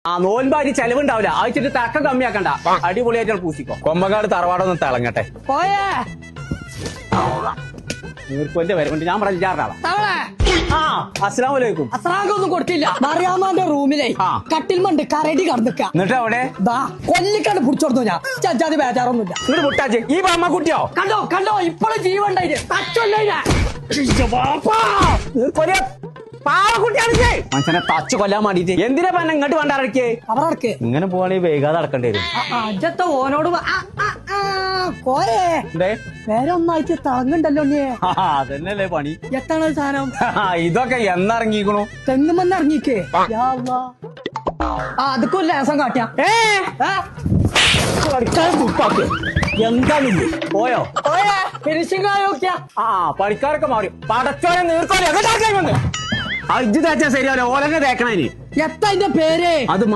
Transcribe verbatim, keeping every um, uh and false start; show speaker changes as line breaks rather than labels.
ആ നോൻപാരി ചെലവുണ്ടാവില്ല ആഴ്ചയിട്ട് തക്ക കമ്മിയാക്കണ്ട അടിപൊളിയായിട്ട് പൂസിക്കോ കൊമ്പക്കാട് തറവാടൊന്ന് തിളങ്ങട്ടെ
പോയേ
നീർക്കൊന്റെ വരവുണ്ട് ഞാൻ പറഞ്ഞാറാളാ
തവളെ
ആ അസ്സലാമലൈക്കും
അസ്രാഗൊന്നും കൊടുത്തില്ല മറിയാമാന്റെ റൂമിലെ
ആ.
കട്ടിൽ മണ്ട് കരടി കടന്നിക്ക
എന്നിട്ട് അവിടെ
ദാ കൊല്ലിക്കണ്ട് പിടിച്ചോടുന്നു ഞാൻ ചജാതി ബേജാറൊന്നുമില്ല
ഇങ്ങോട്ട് മുട്ടാച്ചി ഈ പാമ്മ കുട്ടിയോ
കണ്ടോ കണ്ടോ ഇപ്പോഴും ജീവണ്ടായില്ലേ തച്ചല്ലേ
മനുഷ്യനെ തച്ച് കൊല്ലാൻ വേണ്ടിട്ട് എന്തിനാ പന്ന ഇങ്ങോട്ട് വേണ്ടാറക്കേ
അവർക്ക്
ഇങ്ങനെ പോവാണെങ്കിൽ വൈകാതെ അടക്കേണ്ടി വരും
അജത്ത ഓനോട് പ- ആ, ആ, ആ, കോരേ
എന്തേ
വേറെ ഒന്നായിട്ട് തിളങ്ങുണ്ടല്ലോ നീ
ആ, അതന്നെയല്ലേ പണി
എത്താണ് സാധനം
ആ, ഇതൊക്കെ എന്നിറങ്ങിക്കണു
തെങ്ങുമെന്ന് ഇറങ്ങിക്കേ യാ അല്ലാ. ആ അതൊക്കെ ഒരു ലേസം കാട്ടിയാ
ഏ
ഏ?
എന്താണിത് പോയോ
ഫിനിഷിംഗ് ആയോക്കിയാ
ആ പണിക്കാരൊക്കെ മാറി പടച്ചോനെ നീർക്കോലെ ആ ഇജ്ജ് തേച്ചാ ശരിയാവില്ല ഓലന്നെ തേക്കണേ
എത്താ ഇതിന്റെ പേര്
അത്